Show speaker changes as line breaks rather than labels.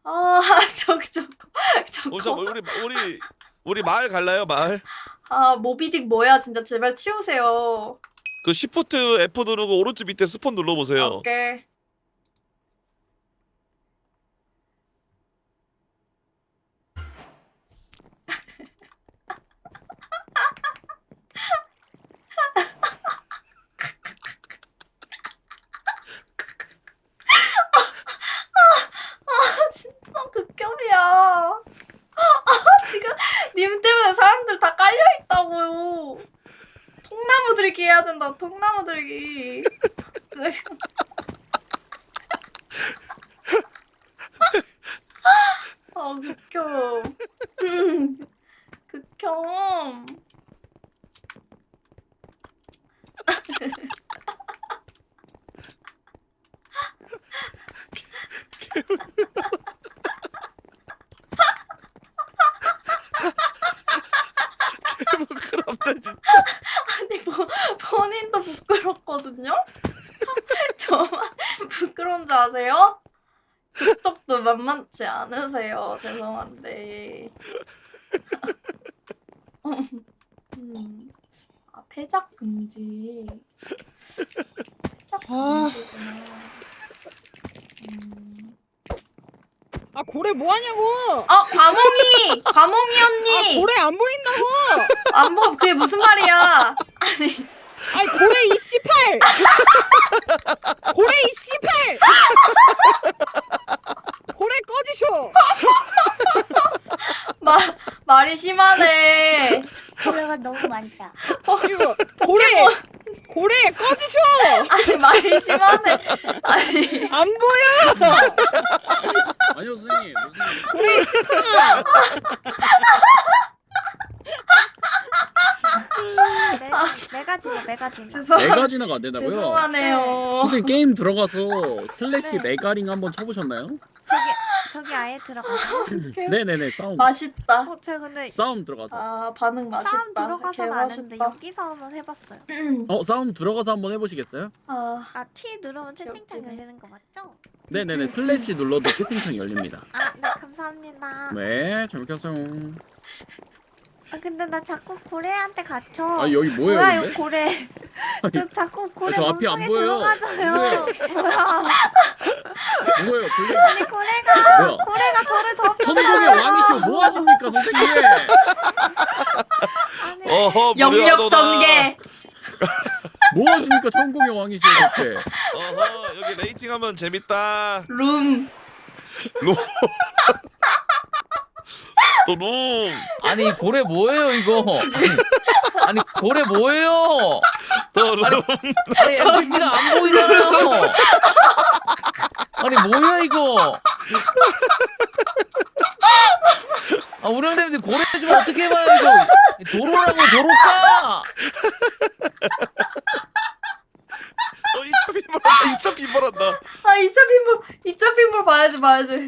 아, 저거.
우리 마을 갈라요, 마을?
아, 모비딕 뭐야, 진짜 제발 치우세요.
그 시프트 F 누르고 오른쪽 밑에 스폰 눌러보세요.
오케이. 진짜 극혐이야. 지금 님 때문에 사람들 다 깔려 있다고요. 통나무 들기 해야 된다. 통나무 들기. 아, 극혐. 극혐.
부끄럽다 진짜.
아니 본인도 부끄럽거든요? 저만 부끄러운 줄 아세요? 그쪽도 만만치 않으세요. 죄송한데. 아, 패작 금지. 패작 금지구나.
아 고래 뭐 하냐고.
아, 과몽이 언니.
아 고래 안 보인다고.
안 보, 그게 무슨 말이야? 아니.
아이 고래 이씨팔. 고래 이씨팔. 고래 꺼지쇼.
말이 심하네.
고래가 너무 많다.
이거 고래 꺼지쇼.
아니, 말이 심하네. 아니.
안 보여.
아니요 선생님 무슨
고래 이씨팔.
메가지나.
메가지나가 안 된다고요?
죄송하네요.
선생님 게임 들어가서 슬래시 메가링 한번 쳐보셨나요?
저기 아예 들어가서.
네네네 싸움
맛있다.
제가 근데
싸움 들어가서
아, 반응 맛있다.
싸움 들어가서는 안 했는데
개맛있다.
여기서는 해봤어요.
싸움 들어가서 한번 해보시겠어요?
아,
아 T 누르면 채팅창
웃기네.
열리는 거 맞죠?
네네네 슬래시 눌러도 채팅창 열립니다.
아 네 감사합니다.
네 재밌게 하세요.
아 근데 나 자꾸 고래한테 갇혀.
아 여기 뭐예요
뭐야
근데?
이거 고래. 저 자꾸 고래
저 앞이 안
몸속에
보여요.
들어가져요.
뭐예요 블랙
아니 고래가
뭐야?
고래가 저를
천국의 왕이시오 뭐 하십니까 선생님?
아니
어허,
영역
무료하도다.
전개.
뭐 하십니까 천국의 왕이시오 대체?
어허, 여기 레이팅하면 재밌다.
룸.
또 룸.
아니 고래 뭐예요 이거? 아니 고래 뭐예요?
또 룸.
아니 MVP가 안 보이잖아요. 아니 뭐야 이거? 아 우량대님들 고래 좀 어떻게 해봐요 이거? 도로라고 도로가?
어, 2차 빈볼한다. 2차 빈볼한다.
아, 2차 핀볼 봐야지.